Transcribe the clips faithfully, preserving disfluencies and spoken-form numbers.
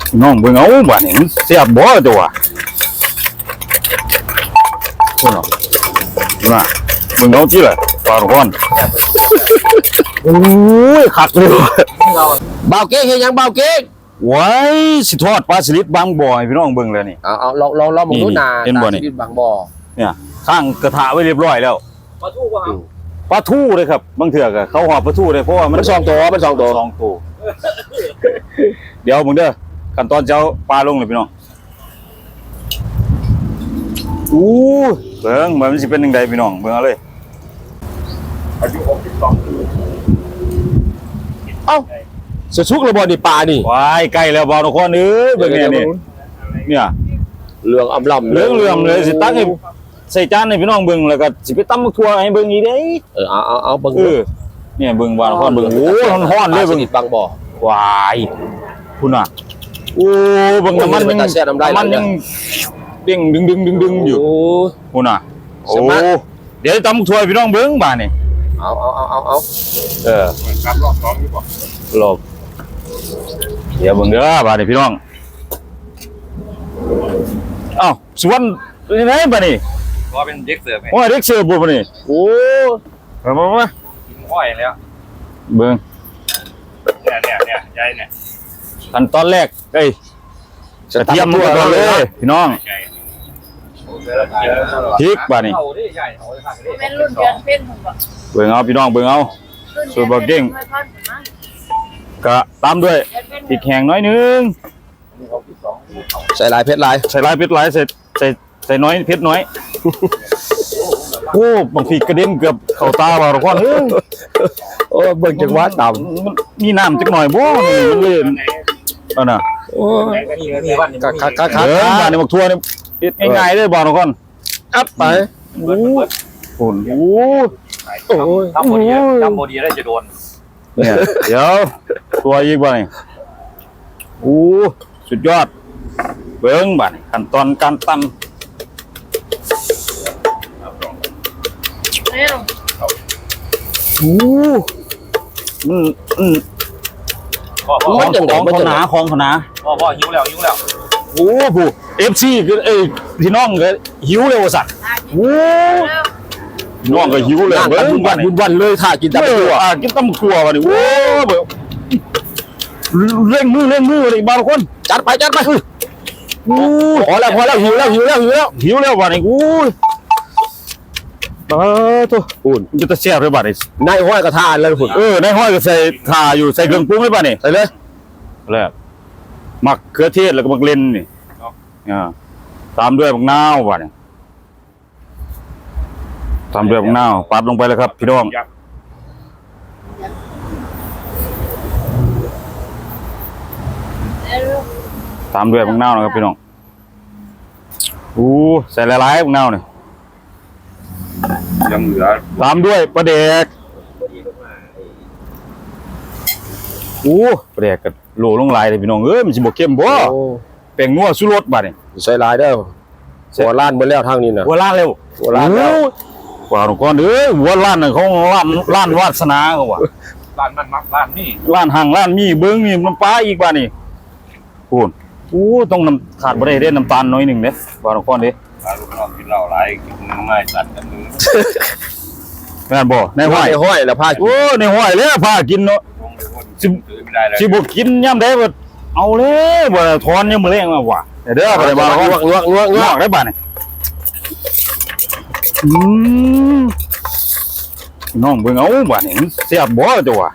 น้องเบิ่งเอาบ้านนี่มันเสียบบ่ตัวคนเนาะน่ะเบิ่งเอาที่ละปลาร้อนโอ้ยคักเลยเบาเก๊กเฮ็ดยังเบาเก๊กไว้สิทอดปลาสลิดบางบ่อให้พี่น้องเบิ่งเลยนี่เอาเอาลองลองลองมองดูหน้าเห็นบ่นี่บางบ่อเนี่ยข้างกระทะไว้เรียบร้อยแล้วปลาทูป่ะครับปลาทูเลยครับบางเถื่อก็เขาหอบปลาทูเลยเพราะว่ามันสองตัวมันสองตัวสองตัวเดี๋ยวมึงเด้อขั้นตอนเจ้าปลาลงเลยพี่น้องอู้เบิ่งมันสิเป็นยังไงพี่น้องเบิ่งเอาเลยอายุหกสิบสองปีเอ้าสะชุกระบ่นี่ปลานี่วายใกล้แล้วบ่าวทุกคนเอ้ยเบิ่งเนี่ยนี่เนี่ยเหลืองอำลำเหลืองเหลืองเลยสิตักให้ใส่จานให้พี่น้องเบิ่งแล้วก็สิไปตำบักทั่วให้เบิ่งอีกเด้เออเอาเอาเอาเบิ่งเออเนี่ยเบิ่งบ่าวทุกคนเบิ่งโอ้ฮ้อนๆเลยเบิ่งบางบ่อวายคุณน่ะโอ้เบิ่งน้ำมันยังน้ำมันยังเด้งดึงดึงดึงดึงอยู่คุณน่ะโอ้เดี๋ยวตำบักทั่วพี่น้องเบิ่งบ่านี่เอาเอาเอาเอาเอาเออครับรอบสองนี่ป่ะรอบเดี๋ยวเบิ่งเด้อบ่านี่พี่น้องอ้าวสวนยังไงบ่นี่ว่าเป็นเด็กเสิร์ฟไงโอ้ยเด็กเสิร์ฟบ่นี่โอ้มามามากินอ้อยแล้วเบิ่งเนี่ยเนี่ยเนี่ยใหญ่เนี่ยขั้นตอนแรกเอ้ยกระเทียมตัวก่อนเลยพี่น้องพริกบ่นี่เป็นรุ่นเดือนเป็นผมบอกเบิ่งเอาพี่น้องเบิ่งเอาสูตรบ่เก่งก็ตามด้วยพริกแห้งน้อยนึงใส่ลายเพชรลายใส่ลายเพชรลายใส่ใส่ใส่น้อยเพชรน้อยโอ้บางทีกระเด็นเกือบเข้าตาบ่าวทุกคนเอ้ยโอ้เบิ่งจังหวะต่ำมันมีน้ำจักหน่อยบ่มันเลยอันน่ะโอ้คักคักคักคักบ้านนี่บักทั่วนี่เฮ็ดง่ายๆเด้อบ่าวทุกคนอัพไปโอ้โหโอ้โอ้ยทำโมดีทำโมดีได้จะโดนเนี่ยเดี๋ยวตัวอีกบ่นี่โอ้สุดยอดเบิ่งบ่นี่ขั้นตอนการตำโอ้มันอืมพ่อพ่อของของขนาของขนาพ่อพ่อหิวแล้วหิวแล้วโอ้ผู้ เอฟ ซี คือเอ้ยพี่น้องก็หิวเลยว่าสัตว์โอ้น้องก็หิวเลยเบิ่งวันบุญวันเลยถ้ากินตำตัวอ่ากินตำครัวบ่นี่โอ้แบบเร่งมือเร่งมือเลยบางคนจัดไปจัดไปโอ้พอแล้วพอแล้วหิวแล้วหิวแล้วหิวแล้วหิวแล้วบ่นี่โอ้เออตัวอุ่นจะตะแซ่บเลยบ่นี่นายห้อยกระทานเลยพุ่นเออในห้อยก็ใส่ถ่าอยู่ใส่เครื่องปรุงเลยบ่นี่ใส่เลยแล้วมักเขือเทศแล้วก็มักเลนนี่อ่าตามด้วยมะนาวบ่นี่ตามด้วยมะนาวปัดลงไปเลยครับพี่น้องตามด้วยมะนาวนะครับพี่น้องอู้ใส่หลายๆมะนาวนี่ยังเหลือตามด้วยปลาแดกอู้ปลาแดกกับโหลลงลายเลยพี่น้องเอ้ยมันสิบ่เข้มบ่แป้งนัวสุรสบัดนี่ใส่ลายเด้อหัวล้านเบิดแล้วทางนี้น่ะหัวล้านเร็วหัวล้านแล้วกว่าก่อนเอ้ยหัวล้านน่ะของล้านล้านวาสนาเขาว่าร้านมันมักร้านนี่ล้านห่างล้านมีเบิ่งนี่น้ำปลาอีกบัดนี่พูนอู้ต้องน้ำขาดบ่ได้เด้น้ำตาลน้อยนึงเด้ว่าก่อนเด้ปลาลูกน้องกินเหล้าหลายกินง่ายตัดกันมือแม่นบ่ในห้อยในห้อยแล้วพาโอ้ในห้อยแล้วพากินเนาะสิสิบ่กินยามใดบ่เอาเลยบ่ถอนยามมื้อแลงมาว่ะเด้อบ่ได้บ่งวกงวกงวกงวกได้บัดนี่อืมน้องเบิ่งเอาบัดนี่เสียบบ่ตัวว่ะ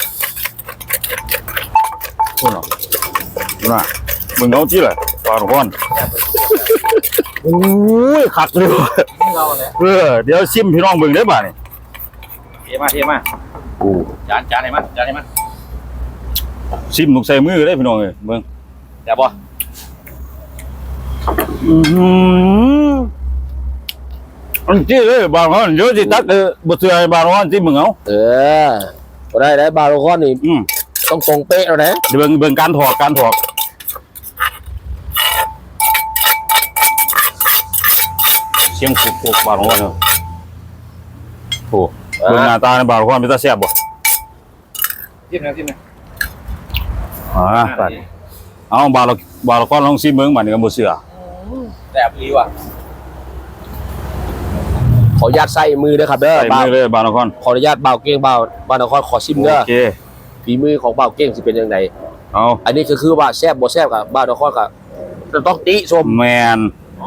โอ้เนาะน่ะเบิ่งเอาจิล่ะปลาร้อนโอ้ยคักเลยเออเดี๋ยวชิมพี่น้องเบิ่งได้บ่นี่เทมาเทมาโอ้จานจานไหนมาจานไหนมาชิมต้องใส่มือได้พี่น้องเอ้ยเบิ่งแซ่บบ่อืออันที่เอ้ยบางคนเดี๋ยวสิตักเออบ่เชื่อบางคนสิมึงเอาเออบ่ได้ได้บางคนนี่อืมต้องตรงเป๊ะแล้วนะเบิ่งเบิ่งการถอกการถอกเสียงฟุกๆบางคนเนาะโอ้เบิ่งหน้าตาในบางคนเป็นตาแซ่บบ่จิ้มนะจิ้มนะอ่าไปเอาบาเราบาเราก้อนลองซิเมืองบัดนี้ก็บ่เชื่อแซ่บดีว่ะขออนุญาตใส่มือเด้อครับเด้อใส่บ่าวมือเลยบาเราก้อนขออนุญาตบ่าวเก้งบ่าวบ่าวนครขอชิมเด้อโอเคฝีมือของบ่าวเก้งสิเป็นยังไงเอาอันนี้ก็คือว่าแซ่บบ่แซ่บกับบ่าวนครก็ต้องติชมแมน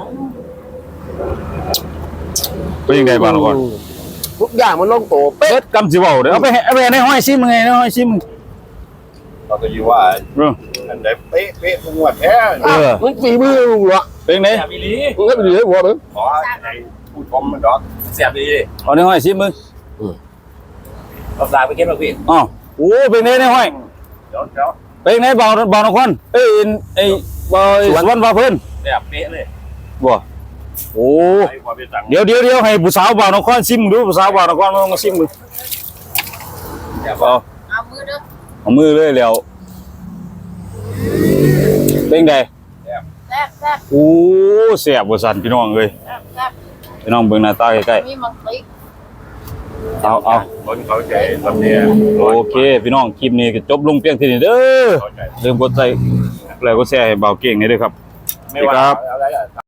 เป็นยังไงบาเราก้อนทุกอย่างมันลงโตเป๊ะเฮ็ดกำสิเว้าเด้อเอาไปให้เอาไปในห้อยซิมึงไงในห้อยซิมึงเราก็อยู่ว่าเอออันใดเป๊ะเป๊ะทุกงวดแท้เออมันฝีมือลุงเหรอเป็นไงแซ่บดีมึงให้ไปดูให้หัวมึงขอไอ้ผู้ชมมันดอกแซ่บดีเอาในห้อยซิมึงเราสายไปเก็บเราพี่อ้าวโอ้เป็นไงในห้อยเดี๋ยวเดี๋ยวเป็นไงบ่าวบ่าวนครเอ้ยไอ้บ่าวสวนบ่าวเพิ่นแซ่บเป๊ะเลยบ่โอ้ไอ้ความเป็นสั่งเดี๋ยวเดี๋ยวเดี๋ยวให้ผู้สาวบ่าวนครซิมดูผู้สาวบ่าวนครมาซิมดูแซ่บเอาเอามือเด้อเอามือเลยแล้วเป็นไงแซ่บแซ่บโอ้แซ่บบ่สั่นพี่น้องเอ้ยแซ่บแซ่บพี่น้องเบิ่งหน้าตาใกล้มีมังติกๆเอาเอาคนเขาใจลำเนียโอเค พี่น้องคลิปนี้ก็จบลงเพียงเท่านี้เด้อเขาใจลืมกดไลค์แล้วก็แชร์ให้เบาเก่งนี่ด้วยครับไม่ว่าอะไร